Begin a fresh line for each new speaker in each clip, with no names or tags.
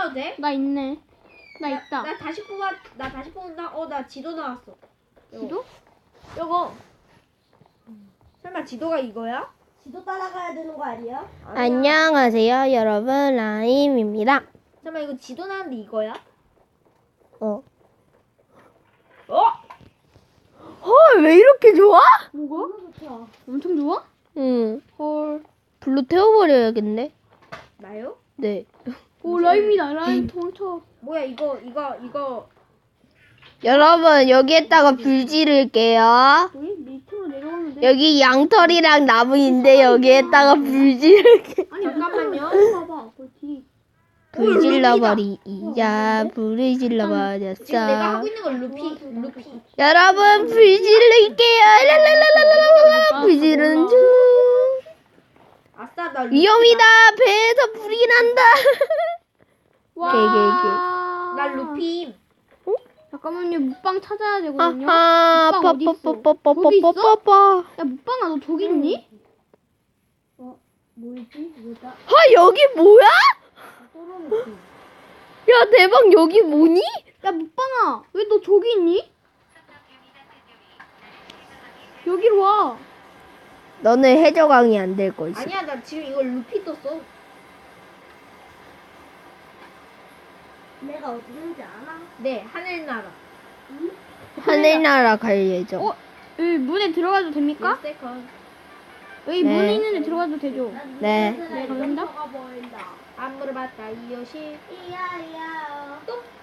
뽑아도 돼?
나 있네. 나 있다.
나 다시 뽑는다. 나 지도 나왔어.
지도?
요거. 설마 지도가 이거야?
지도 따라가야 되는 거 아니야?
아니야.
안녕하세요, 여러분. 라임입니다.
설마 이거 지도 나왔는데 이거야?
어.
헐,
왜 이렇게 좋아?
뭐가?
좋다.
엄청 좋아?
응.
헐.
불로 태워버려야겠네.
나요?
네.
오, 라임이다. 라임 도망쳐.
뭐야 이거.
여러분, 여기에다가 불 지를게요.
우리 밑으로 내려가면 돼.
여기 양털이랑 나무인데 여기에다가 불 지를게.
아니,
잠깐만요.
봐봐. 그 뒤.
불 질러버리자. 불을
지금 내가
질러버렸어.
하고 있는 건 루피.
여러분, 불 지를게요. 랄랄랄랄랄랄라. 불 지르는 중.
아싸 나 루피다.
위험이다. 배에서 불이 난다.
와.
나 루피.
잠깐만요. 묵방 찾아야 되거든요.
아하.
묵방 어디 있어?
빠빠빠빠빠빠빠.
야, 묵방아, 너 저기 있니?
뭐지? 뭐다?
아, 여기 뭐야? 야, 대박. 여기 뭐니?
야, 묵방아, 왜 너 저기 있니? 여기로 와.
너는 해적왕이 안 될 거지.
아니야 나 지금 이거 루피 떴어.
내가 어디 있는지 아나?
네 하늘나라.
하늘나라 갈 예정.
어? 여기 문에 들어가도 됩니까?
1세컨.
여기
네.
문에 있는데 들어가도 되죠?
네.
네, 감사합니다.
보인다.
안 물어봤다 이요시.
이야이야.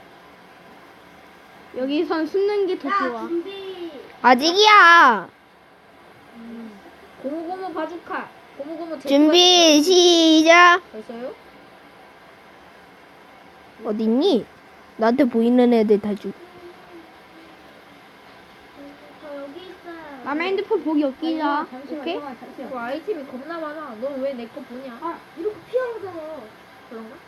여기선 숨는 게 더
야
좋아.
준비.
아직이야.
고무고무 바주카. 고무고무
준비 시작.
벌써요?
어딨니? 나한테 보이는 애들 다 주.
저 여기 있어요.
남의 핸드폰 보기 없기자. 오케이?
그 아이템이 겁나 많아. 넌 왜 내 거 보냐?
아 이렇게 피하잖아.
그런가?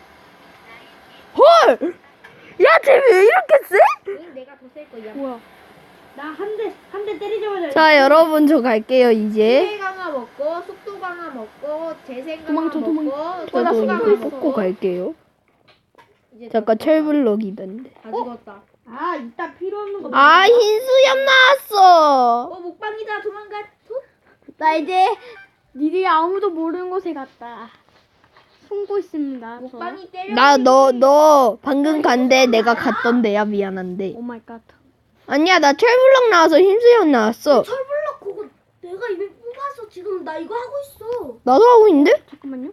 헐! 야, 쟤 왜 이렇게 세?
응 내가 더 쓸 거야.
뭐야?
나 한 대 때리자마자.
자, 여러분, 저 갈게요, 이제.
수혜 강화 먹고 속도 강화 먹고 재생 강화
도망쳐,
먹고
저도
수강
이거
강화
뽑고
먹고
갈게요.
이제
잠깐
다
철블럭이던데.
죽었다.
아 이따 필요 없는 거.
아, 흰수염 나왔어.
목방이다 도망가.
나 이제 니들이 아무도 모르는 곳에 갔다. 숨고 있습니다. 저.
목방이 때려.
너 방금 간데 내가 갔던데야. 미안한데.
오 마이 갓.
아니야, 나 철블럭 나와서 흰수염 나왔어.
철블럭 그거 내가 이미 뽑아서 지금 나 이거 하고 있어.
나도 하고 있는데?
잠깐만요.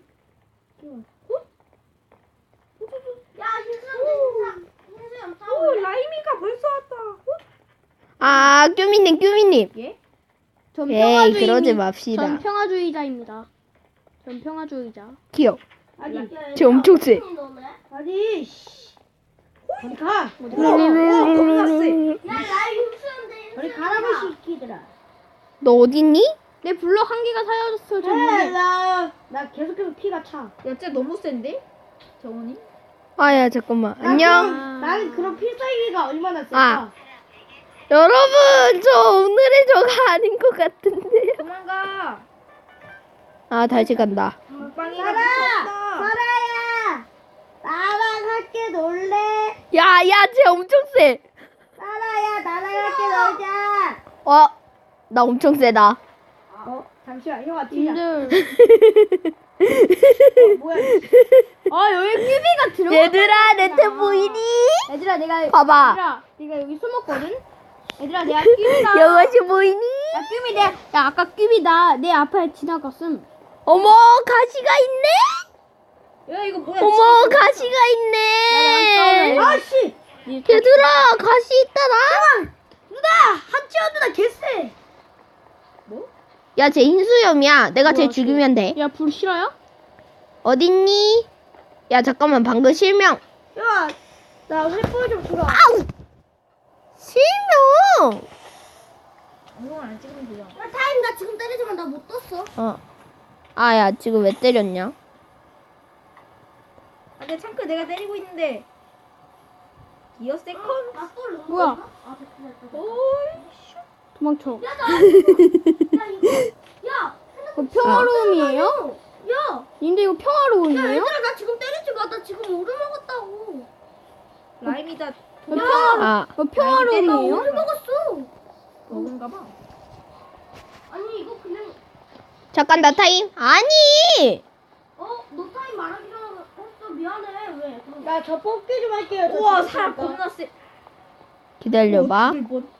야 흰수염
오 라임이가 벌써 왔다.
아, 규미님.
예?
전
에이,
평화주의.
그러지 맙시다.
전 평화주의자입니다. 전 평화주의자.
귀여워.
아니
쟤 엄청 세.
아니 씨. 어디 가?
겁나 세.
야 나이 흰수염 돼. 어디 가라고 시키더라.
너 어딨니?
내 블럭 한 개가 사라졌어. 저 문에.
나 계속해서 피가 차.
야 진짜 너무 센데? 정원이?
아야, 잠깐만. 안녕.
나는 그런 필살기가 얼마나 셀까?
아. 여러분, 저 오늘의 저가 아닌 것 같은데요.
도망가.
아, 다시 간다.
목방이가
살아!
미쳤다.
사라야! 나랑 함께 놀래?
야, 쟤 엄청 세.
사라야, 나랑 함께 놀자!
나 엄청 세다.
잠시만, 형아, 뛰자.
님들.
뭐야?
아, 여기 큐비가 들어가.
얘들아, 내 태 보이니?
얘들아, 내가.
봐봐.
얘들아, 내가 여기 숨었거든? 얘들아, 내가 큐비가.
이것이 보이니?
야, 큐비, 야, 아까 큐비다. 내 앞에 지나갔음.
어머, 가시가 있네?
야 이거 뭐야?
어머, 가시가 있네.
아씨!
얘들아, 가시 있다라.
누나! 한치원 누나 개쎄!
뭐?
야, 쟤 흰수염이야. 내가 쟤
뭐야,
죽이면 돼.
야, 불 싫어요?
어딨니? 야, 잠깐만, 방금 실명.
야, 나 횃불 좀 주라.
아우! 실명!
이거 안 찍으면 돼요.
야, 타임, 나 지금 때리지만 나 못 떴어.
아, 야, 지금 왜 때렸냐?
안돼 창크 내가 때리고 있는데. 기어 세컨.
뭐야?
오이.
도망쳐.
야, 나 이거. 야!
평화로움이에요?
야!
님들 이거 평화로움이에요?
얘들아, 나 지금 때리지 마. 나 지금 오르 먹었다고.
라임이다.
아,
평화로운이에요?
오늘 먹었어.
먹은가 봐.
아니 이거 그냥
잠깐 나 타임. 아니.
너 타임 말하기 전에 했어. 미안해. 왜? 그럼
나 저 뽑기 좀 할게요.
우와 사람 겁나 세.
기다려봐.
죽을 뻔.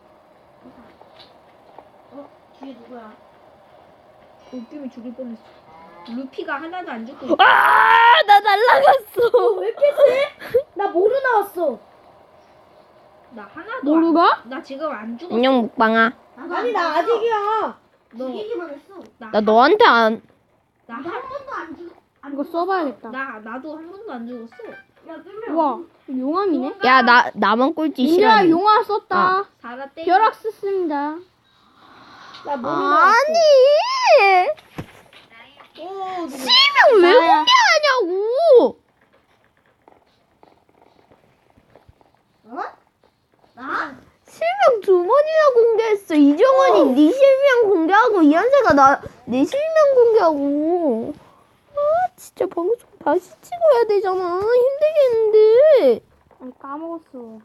뒤에 누구야?
웃김이 죽을 뻔했어. 루피가 하나도 안 죽고.
아, 나 날라갔어.
왜 이렇게 세? 나 모르 나왔어.
나 하나도.
모루가?
나 지금 안 죽었어.
안녕 먹방아.
아니 나 아직이야.
너.
죽이기만 했어.
나 너한테 안.
나
한 번도 안 죽.
이거 써봐야겠다.
나도 한 번도 안 죽었어.
야 그러면
우와, 용암이네?
야, 나만 꼴찌
민규야,
싫어.
용암 썼다.
살았대.
벼락 썼습니다.
나 모르 나왔어.
아니.
오, 누구?
실명 왜
나야.
공개하냐고.
나?
실명 두 번이나 공개했어. 이정원이 네 실명 공개하고 이한세가 내 실명 공개하고. 아, 진짜 방송 다시 찍어야 되잖아. 힘들겠는데.
아니, 까먹었어.